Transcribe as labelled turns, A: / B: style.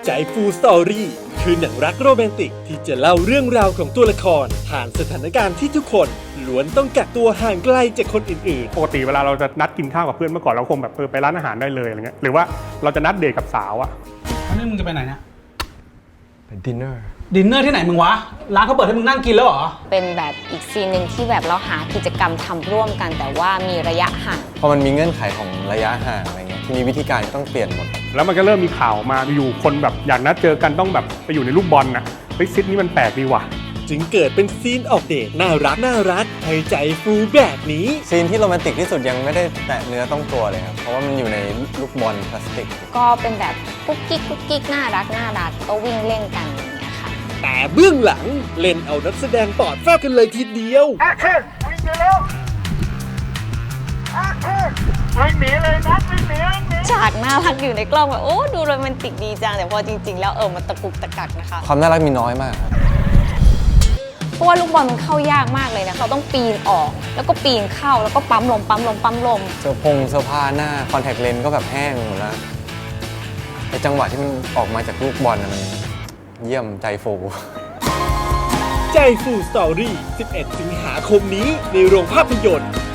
A: ใจฟูสตอรี่คือหนังรักโรแมนติกที่จะเล่าเรื่องราวของตัวละครผ่านสถานการณ์ที่ทุกคนล้วนต้องกักตัวห่างไกลจากคนอื่น
B: ปกติเวลาเราจะนัดกินข้าวกับเพื่อนเมื่อก่อนเราคงแบบไปร้านอาหารได้เลยอะไรเงี้ยหรือว่าเราจะนัดเดทกับสาวอะ
C: แล้วนี่มึงจะไปไหนเนี่ย
D: เป็นดินเนอร์
C: ดินเนอร์ที่ไหนมึงวะ ร้านเขาเปิดให้มึงนั่งกินแล้วเหรอ
E: เป็นแบบอีกซีนหนึ่งที่แบบเราหากิจกรรมทำร่วมกันแต่ว่ามีระยะห่าง
D: พอมันมีเงื่อนไขของระยะห่างอะไรเงี้ยทีนี้วิธีการก็ต้องเปลี่ยนหมด
B: แล้วมันก็เริ่มมีข่าวมาอยู่คนแบบอยากนัดเจอกันต้องแบบไปอยู่ในลูกบอลน่ะเฮ้ยซิดนี้มันแปลกดีว่ะ
A: ๆ จึงเกิดเป็นซีนออกเดทน่ารักให้ใจฟูแบบนี้
D: ซีนที่โรแมนติกที่สุดยังไม่ได้แตะเนื้อต้องตัวเลยครับ เพราะว่ามันอยู่ในลูกบอลพลาสติก
E: ก็เป็นแบบกุ๊กกิ๊กน่ารักก็วิ่งเล่นกันอย่างเงี้ยค่ะ
A: แต่เบื้องหลังเล่นเอานักแสดงปอดแฟบกันเลยทีเดียว
E: ฉากน่ารักอยู่ในกล้องแบบโอ้ดูโรแมนติกดีจังแต่พอจริง ๆ แล้วมันตะกุกตะกักนะคะ
D: ความน่ารักมีน้อยมากครับ
E: เพราะว่าลูกบอลมันเข้ายากมากเลยนะเขาต้องปีนออกแล้วก็ปีนเข้าแล้วก็ปั๊มลม
D: เสื้อผ้าหน้าคอนแทคเลนส์ก็แบบแห้งหมดแล้วไอจังหวะที่มันออกมาจากลูกบอลนะมันเยี่ยมใจฟู
A: ใจฟูสตอรี่ 11 สิงหาคมนี้ในโรงภาพยนตร์